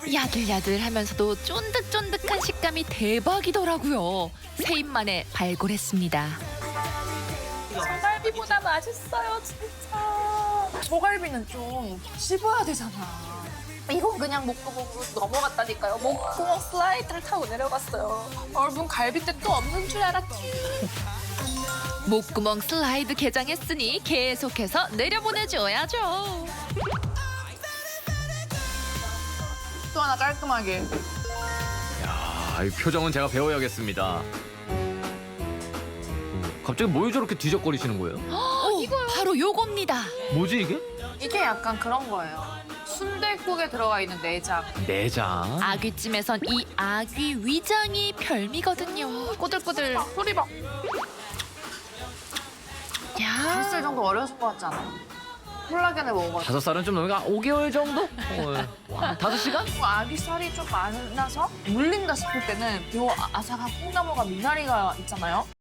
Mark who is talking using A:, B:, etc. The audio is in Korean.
A: 야들야들하면서도 쫀득쫀득한 식감이 대박이더라고요. 세 입 만에 발굴했습니다.
B: 소갈비보다 맛있어요, 진짜. 소갈비는 좀 씹어야 되잖아. 이건 그냥 먹고 넘어갔다니까요. 목구멍 슬라이드를 타고 내려갔어요. 여러분, 갈비뼈 또 없는 줄 알았지.
A: 목구멍 슬라이드 개장했으니 계속해서 내려보내줘야죠.
B: 또 하나 깔끔하게.
C: 야, 이 표정은 제가 배워야겠습니다. 갑자기 뭘 저렇게 뒤적거리시는 거예요?
A: 바로 요겁니다.
C: 뭐지 이게?
B: 이게 약간 그런 거예요. 순댓국에 들어가 있는 내장.
C: 내장.
A: 아귀찜에선 이 아귀 위장이 별미거든요.
B: 꼬들꼬들 소리 봐.
A: 야,
B: 5살 정도 어렸을 것 같지 않아요? 콜라겐을 먹어가지고.
C: 5살은 좀 넘으니까 5개월 정도? 와, 5시간?
B: 아귀살이 좀 많아서 물린다 싶을 때는 요 아삭한 콩나물과 미나리가 있잖아요.